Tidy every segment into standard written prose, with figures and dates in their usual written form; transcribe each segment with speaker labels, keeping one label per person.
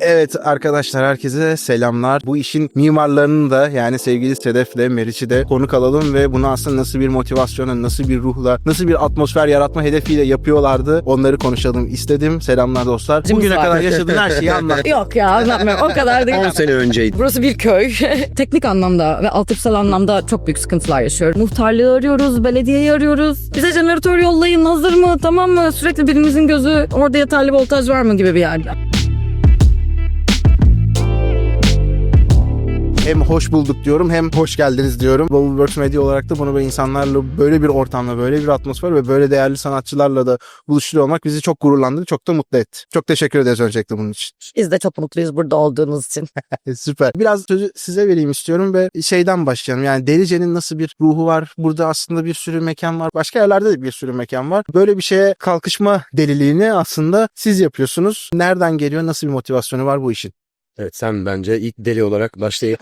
Speaker 1: Evet arkadaşlar, herkese selamlar. Bu işin mimarlarını da, yani sevgili Sedef'le Meriç'i de konuk alalım ve bunu aslında nasıl bir motivasyona, nasıl bir ruhla, nasıl bir atmosfer yaratma hedefiyle yapıyorlardı, onları konuşalım istedim. Selamlar dostlar. Bugüne kadar yaşadığın her şeyi anlat.
Speaker 2: Yok ya, anlatmıyorum. O kadar değil.
Speaker 3: 10 sene önceydi.
Speaker 2: Burası bir köy. Teknik anlamda ve altyapısal anlamda çok büyük sıkıntılar yaşıyoruz. Muhtarlığı arıyoruz, belediyeyi arıyoruz. Bize jeneratör yollayın, hazır mı, tamam mı? Sürekli birimizin gözü orada yeterli voltaj var mı gibi bir yerde.
Speaker 1: Hem hoş bulduk diyorum, hem hoş geldiniz diyorum. Bubbleworks Media olarak da bunu böyle insanlarla, böyle bir ortamda, böyle bir atmosfer ve böyle değerli sanatçılarla da buluşturuyor olmak bizi çok gururlandırdı, çok da mutlu etti. Çok teşekkür ederiz öncelikle bunun için.
Speaker 2: Biz de çok mutluyuz burada olduğunuz için.
Speaker 1: Süper. Biraz sözü size vereyim istiyorum ve şeyden başlayalım. Yani Delice'nin nasıl bir ruhu var? Burada aslında bir sürü mekan var. Başka yerlerde de bir sürü mekan var. Böyle bir şeye kalkışma deliliğini aslında siz yapıyorsunuz. Nereden geliyor? Nasıl bir motivasyonu var bu işin?
Speaker 3: Evet, sen bence ilk deli olarak başlayıp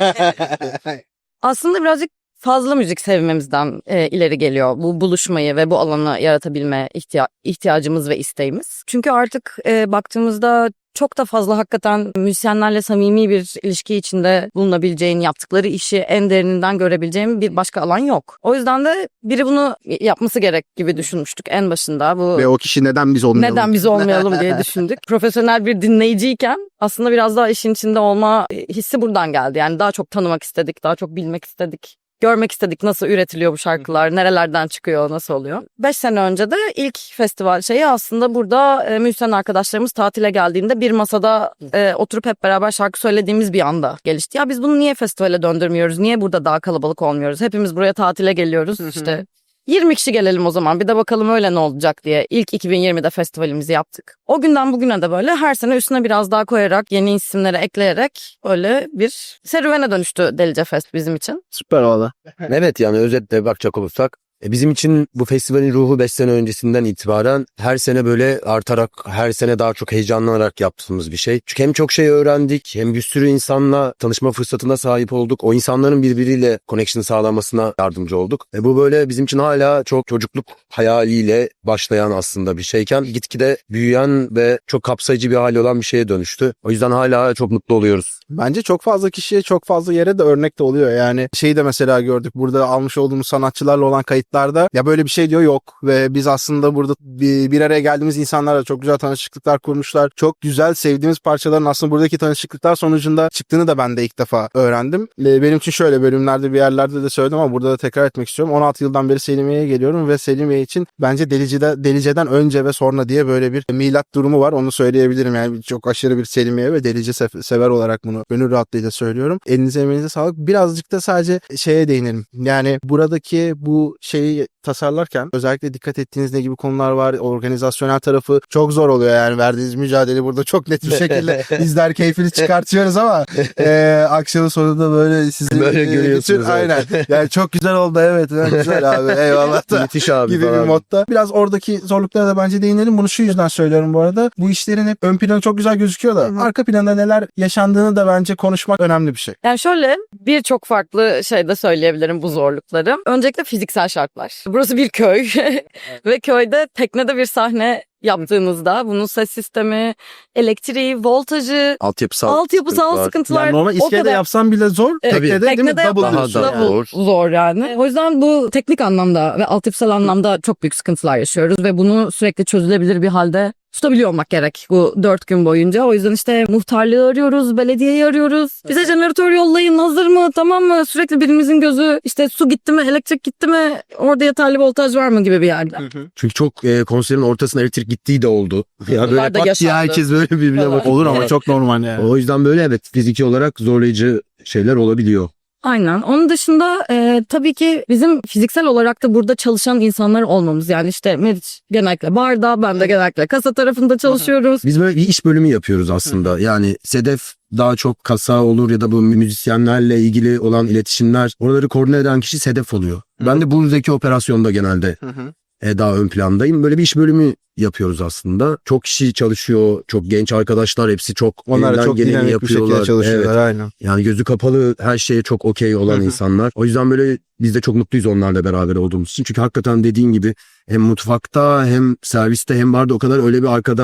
Speaker 2: Aslında birazcık fazla müzik sevmemizden ileri geliyor bu buluşmayı ve bu alanı yaratabilme ihtiyacımız ve isteğimiz. Çünkü artık baktığımızda çok da fazla hakikaten müzisyenlerle samimi bir ilişki içinde bulunabileceğin, yaptıkları işi en derininden görebileceğin bir başka alan yok. O yüzden de biri bunu yapması gerek gibi düşünmüştük en başında.
Speaker 1: Ve o kişi neden biz olmayalım?
Speaker 2: Neden biz olmayalım diye düşündük. Profesyonel bir dinleyiciyken aslında biraz daha işin içinde olma hissi buradan geldi. Yani daha çok tanımak istedik, daha çok bilmek istedik. Görmek istedik nasıl üretiliyor bu şarkılar, nerelerden çıkıyor, nasıl oluyor. 5 sene önce de ilk festival şeyi aslında burada müzisyen arkadaşlarımız tatile geldiğinde bir masada oturup hep beraber şarkı söylediğimiz bir anda gelişti. Ya biz bunu niye festivale döndürmüyoruz, niye burada daha kalabalık olmuyoruz? Hepimiz buraya tatile geliyoruz işte. 20 kişi gelelim o zaman, bir de bakalım öyle ne olacak diye ilk 2020'de festivalimizi yaptık. O günden bugüne de böyle her sene üstüne biraz daha koyarak, yeni isimleri ekleyerek öyle bir serüvene dönüştü Delice Fest bizim için.
Speaker 1: Süper oldu.
Speaker 3: evet, yani özetle bakacak olursak bizim için bu festivalin ruhu 5 sene öncesinden itibaren her sene böyle artarak, her sene daha çok heyecanlanarak yaptığımız bir şey. Çünkü hem çok şey öğrendik, hem bir sürü insanla tanışma fırsatına sahip olduk. O insanların birbiriyle connection sağlamasına yardımcı olduk. Bu böyle bizim için hala çok çocukluk hayaliyle başlayan aslında bir şeyken gitgide büyüyen ve çok kapsayıcı bir hali olan bir şeye dönüştü. O yüzden hala çok mutlu oluyoruz.
Speaker 1: Bence çok fazla kişiye, çok fazla yere de örnek de oluyor. Yani şeyi de mesela gördük. Burada almış olduğumuz sanatçılarla olan kayıtlarda ya böyle bir şey diyor yok. Ve biz aslında burada bir araya geldiğimiz insanlarla çok güzel tanışıklıklar kurmuşlar. Çok güzel sevdiğimiz parçaların aslında buradaki tanışıklıklar sonucunda çıktığını da ben de ilk defa öğrendim. Benim için şöyle bölümlerde, bir yerlerde de söyledim ama burada da tekrar etmek istiyorum. 16 yıldan beri Selimiye'ye geliyorum ve Selimiye için bence Delice'den önce ve sonra diye böyle bir milat durumu var. Onu söyleyebilirim. Yani çok aşırı bir Selimiye ve Delice sever olarak bunu gönül rahatlığıyla söylüyorum. Elinize emeğinize sağlık. Birazcık da sadece şeye değinelim. Yani buradaki bu şeyi tasarlarken özellikle dikkat ettiğiniz ne gibi konular var? Organizasyonel tarafı çok zor oluyor yani. Verdiğiniz mücadele burada çok net bir şekilde bizler keyfini çıkartıyoruz ama akşamın sonunda böyle sizi
Speaker 3: böyle görüyorsunuz.
Speaker 1: Aynen. Yani çok güzel oldu, evet. Güzel abi. Eyvallah da.
Speaker 3: Müthiş abi
Speaker 1: gibi
Speaker 3: falan.
Speaker 1: bir modda. Biraz oradaki zorluklara da bence değinelim. Bunu şu yüzden söylüyorum bu arada. Bu işlerin hep ön planı çok güzel gözüküyor da arka planda neler yaşandığını da bence konuşmak önemli bir şey.
Speaker 2: Yani şöyle birçok farklı şey de söyleyebilirim bu zorlukları. Öncelikle fiziksel şartlar. Burası bir köy ve köyde teknede bir sahne yaptığınızda bunun ses sistemi, elektriği, voltajı, altyapısal sıkıntılar.
Speaker 1: Yani normal iskelede yapsam bile zor. Teknede değil mi?
Speaker 2: Teknede
Speaker 1: Double
Speaker 3: daha
Speaker 1: diyorsun.
Speaker 3: da
Speaker 2: double zor yani. O yüzden bu teknik anlamda ve altyapısal anlamda çok büyük sıkıntılar yaşıyoruz ve bunu sürekli çözülebilir bir halde tutabiliyor olmak gerek bu 4 gün boyunca. O yüzden işte muhtarlığı arıyoruz, belediyeyi arıyoruz. Bize jeneratör yollayın, hazır mı, tamam mı? Sürekli birimizin gözü işte su gitti mi, elektrik gitti mi, orada yeterli voltaj var mı gibi bir yerde.
Speaker 3: Çünkü çok konserin ortasına elektrik gittiği de oldu. Ya böyle
Speaker 2: Bunlar da
Speaker 3: pat diye
Speaker 2: yaşandı.
Speaker 3: herkes böyle birbirine bakıyor.
Speaker 1: Olur ama çok normal yani.
Speaker 3: O yüzden böyle evet, fiziki olarak zorlayıcı şeyler olabiliyor.
Speaker 2: Aynen. Onun dışında tabii ki bizim fiziksel olarak da burada çalışan insanlar olmamız. Yani işte Meriç genellikle barda, ben de genellikle kasa tarafında çalışıyoruz.
Speaker 3: Biz böyle bir iş bölümü yapıyoruz aslında. Yani Sedef daha çok kasa olur ya da bu müzisyenlerle ilgili olan iletişimler. Oraları koordine eden kişi Sedef oluyor. Ben de buradaki operasyonda genelde daha ön plandayım. Böyle bir iş bölümü yapıyoruz aslında. Çok kişi çalışıyor, çok genç arkadaşlar, hepsi çok
Speaker 1: Onlar
Speaker 3: elinden
Speaker 1: çok
Speaker 3: geleni
Speaker 1: dinamik bir şekilde
Speaker 3: yapıyorlar.
Speaker 1: çalışıyorlar,
Speaker 3: Evet.
Speaker 1: aynen.
Speaker 3: Yani gözü kapalı her şeye çok okey olan insanlar. O yüzden böyle biz de çok mutluyuz onlarla beraber olduğumuz için. Çünkü hakikaten dediğin gibi hem mutfakta hem serviste hem barda o kadar öyle bir arkada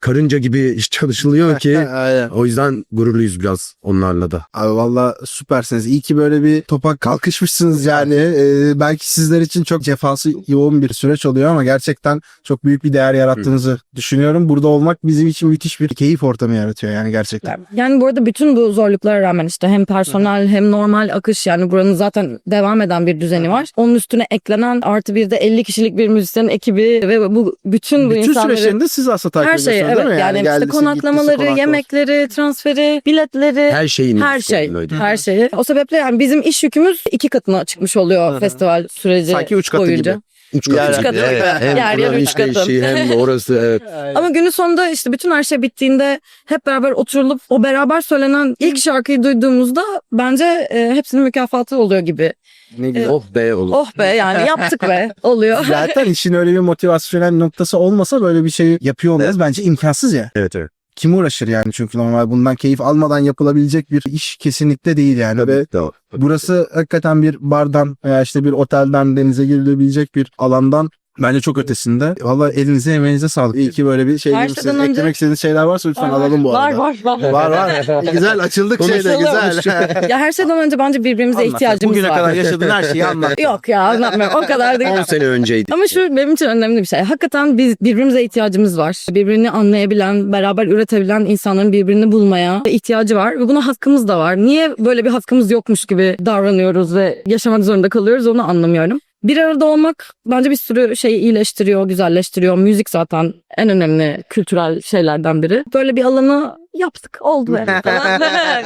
Speaker 3: karınca gibi iş çalışılıyor ki
Speaker 1: Aynen.
Speaker 3: o yüzden gururluyuz biraz onlarla da.
Speaker 1: Abi valla süpersiniz. İyi ki böyle bir topa kalkışmışsınız yani. Belki sizler için çok cefası yoğun bir süreç oluyor ama gerçekten çok büyük bir değer yarattığınızı düşünüyorum. Burada olmak bizim için müthiş bir keyif ortamı yaratıyor yani gerçekten.
Speaker 2: Yani bu arada bütün bu zorluklara rağmen işte hem personel hem normal akış, yani buranın zaten devam eden bir düzeni var. Onun üstüne eklenen artı bir de 50 kişilik bir müzisyen ekibi ve bu bütün
Speaker 1: Bütün
Speaker 2: insanları,
Speaker 1: süreçlerinde siz aslında takip
Speaker 2: her şeyi,
Speaker 1: ediyorsunuz
Speaker 2: evet,
Speaker 1: değil mi?
Speaker 2: yani işte
Speaker 1: geldisi,
Speaker 2: konaklamaları,
Speaker 1: gittisi, konaklaması.
Speaker 2: yemekleri, transferi, biletleri,
Speaker 3: Her şeyin
Speaker 2: her şey,
Speaker 3: öyle.
Speaker 2: her şeyi. O sebeple yani bizim iş yükümüz 2 katına çıkmış oluyor festival süreci
Speaker 1: Sanki 3 katı
Speaker 2: boyunca.
Speaker 1: gibi.
Speaker 3: 3 katı.
Speaker 1: Yer-
Speaker 3: gibi.
Speaker 2: katı.
Speaker 3: Evet. Hem
Speaker 2: Yer yer
Speaker 3: buranın
Speaker 2: üç katı.
Speaker 3: işleyişi hem de orası evet.
Speaker 2: Ama günün sonunda işte bütün her şey bittiğinde hep beraber oturulup o beraber söylenen ilk şarkıyı duyduğumuzda bence hepsinin mükafatı oluyor gibi.
Speaker 1: Ne güzel.
Speaker 3: Oh be olur.
Speaker 2: Oh be, yani yaptık be oluyor.
Speaker 1: Zaten işin öyle bir motivasyonel noktası olmasa böyle bir şey yapıyor olmaz. Bence imkansız ya.
Speaker 3: Evet evet.
Speaker 1: Kim uğraşır yani, çünkü normal bundan keyif almadan yapılabilecek bir iş kesinlikle değil yani. Ve
Speaker 3: Tamam.
Speaker 1: burası hakikaten bir bardan veya işte bir otelden denize girilebilecek bir alandan bence çok ötesinde. Valla elinize emeğinize sağlık. İyi ki böyle bir şey
Speaker 2: Her
Speaker 1: demişsiniz.
Speaker 2: şeyden önce-
Speaker 1: Eklemek istediğiniz şeyler varsa lütfen alalım bu arada.
Speaker 2: Var.
Speaker 1: Var. Güzel açıldık şeyde
Speaker 2: Konuşalım.
Speaker 1: güzel.
Speaker 2: Ya her şeyden önce bence birbirimize
Speaker 1: Anlat.
Speaker 2: ihtiyacımız
Speaker 1: Bugüne
Speaker 2: var.
Speaker 1: kadar yaşadığın her şeyi anlat.
Speaker 2: Yok ya, anlatmıyorum, o kadar değil.
Speaker 3: 10 sene önceydi.
Speaker 2: Ama şu benim için önemli bir şey. Hakikaten biz birbirimize ihtiyacımız var. Birbirini anlayabilen, beraber üretebilen insanların birbirini bulmaya ihtiyacı var. Ve buna hakkımız da var. Niye böyle bir hakkımız yokmuş gibi davranıyoruz ve yaşamak zorunda kalıyoruz, onu anlamıyorum. Bir arada olmak bence bir sürü şeyi iyileştiriyor, güzelleştiriyor. Müzik zaten en önemli kültürel şeylerden biri. Böyle bir alanı yaptık, oldu yani falan.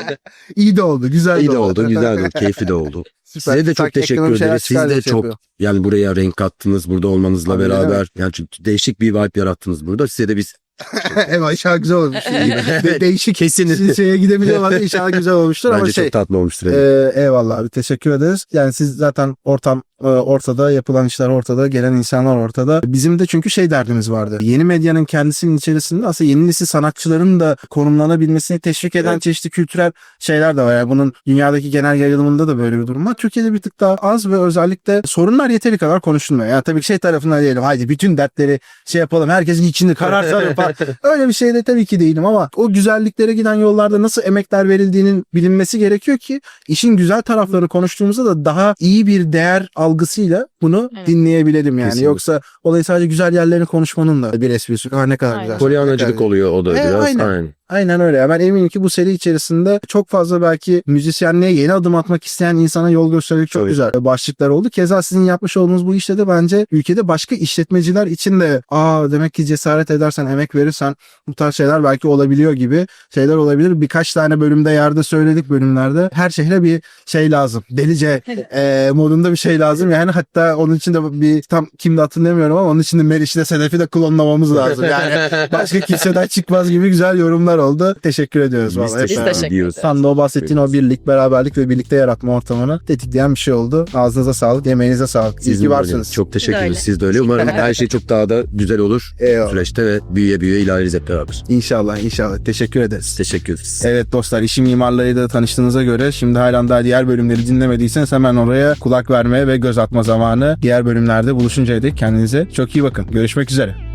Speaker 1: İyi de oldu, güzel
Speaker 3: İyi de oldu, güzel de oldu, keyifli de oldu.
Speaker 1: Süper.
Speaker 3: Size de çok
Speaker 1: Sanki
Speaker 3: teşekkür
Speaker 1: ekonomik şeyler
Speaker 3: ederiz. Siz
Speaker 1: çıkar
Speaker 3: de
Speaker 1: diye şey
Speaker 3: çok
Speaker 1: yapıyor.
Speaker 3: yani buraya renk kattınız burada olmanızla
Speaker 1: Tabii,
Speaker 3: beraber.
Speaker 1: evet.
Speaker 3: Yani çünkü değişik bir vibe yarattınız burada. Size de biz
Speaker 1: Evet, inşallah güzel olmuş.
Speaker 3: Evet,
Speaker 1: Değişik
Speaker 3: kesin.
Speaker 1: şeye gidebiliyorlar. İnşallah güzel olmuştur ama
Speaker 3: bence
Speaker 1: şey.
Speaker 3: çok tatlı olmuştur. Evet.
Speaker 1: Eyvallah abi, teşekkür ederiz. Yani siz zaten ortam ortada, yapılan işler ortada, gelen insanlar ortada. Bizim de çünkü şey derdimiz vardı. Yeni medyanın kendisinin içerisinde aslında yeni nesil sanatçıların da konumlanabilmesini teşvik eden çeşitli kültürel şeyler de var. Yani bunun dünyadaki genel yayılımında da böyle bir durum var. Türkiye'de bir tık daha az ve özellikle sorunlar yeteri kadar konuşulmuyor. Yani tabii ki şey tarafından diyelim, haydi bütün dertleri şey yapalım, herkesin içini karartalım falan. Öyle bir şey de tabii ki değilim ama o güzelliklere giden yollarda nasıl emekler verildiğinin bilinmesi gerekiyor ki işin güzel taraflarını konuştuğumuzda da daha iyi bir değer algısıyla bunu
Speaker 2: Evet.
Speaker 1: dinleyebilelim yani.
Speaker 3: Kesinlikle.
Speaker 1: Yoksa olayı sadece güzel yerlerini konuşmanın da bir esprisi yok. Ne kadar
Speaker 2: Aynen.
Speaker 1: güzel.
Speaker 3: Polyanacılık oluyor o da biraz.
Speaker 1: Aynen. Aynen öyle. Ben eminim ki bu seri içerisinde çok fazla belki müzisyenliğe yeni adım atmak isteyen insana yol gösterecek çok
Speaker 3: Tabii.
Speaker 1: güzel başlıklar oldu. Keza sizin yapmış olduğunuz bu işte de bence ülkede başka işletmeciler için de demek ki cesaret edersen, emek verirsen bu tarz şeyler belki olabiliyor gibi şeyler olabilir. Birkaç tane bölümde yerde söyledik bölümlerde. Her şehre bir şey lazım. Delice modunda bir şey lazım. Yani hatta onun için de bir tam kimde hatırlamıyorum ama onun için de Meriç'le Sedef'i de klonlamamız lazım. Yani başka kimseden çıkmaz gibi güzel yorumlar oldu. Teşekkür ediyoruz
Speaker 3: Biz
Speaker 1: vallahi.
Speaker 2: teşekkür
Speaker 1: Hep beraber.
Speaker 2: ederiz.
Speaker 1: Tam da o bahsettiğin o birlik, beraberlik ve birlikte yaratma ortamını tetikleyen bir şey oldu. Ağzınıza sağlık, yemeğinize sağlık. İyi
Speaker 3: Sizin
Speaker 1: ki
Speaker 3: de
Speaker 1: varsınız.
Speaker 3: öyle. Çok teşekkür
Speaker 2: Siz de
Speaker 3: ederiz.
Speaker 2: öyle.
Speaker 3: Siz de öyle. Umarım her şey çok daha da güzel olur
Speaker 1: Eyvallah.
Speaker 3: süreçte ve büyüye büyüye ilerleriz hep beraber.
Speaker 1: İnşallah. Teşekkür ederiz.
Speaker 3: Teşekkür ederiz.
Speaker 1: Evet dostlar, işi mimarlarıyla tanıştığınıza göre şimdi halen daha diğer bölümleri dinlemediyseniz hemen oraya kulak vermeye ve göz atma zamanı. Diğer bölümlerde buluşuncaya dek kendinize çok iyi bakın. Görüşmek üzere.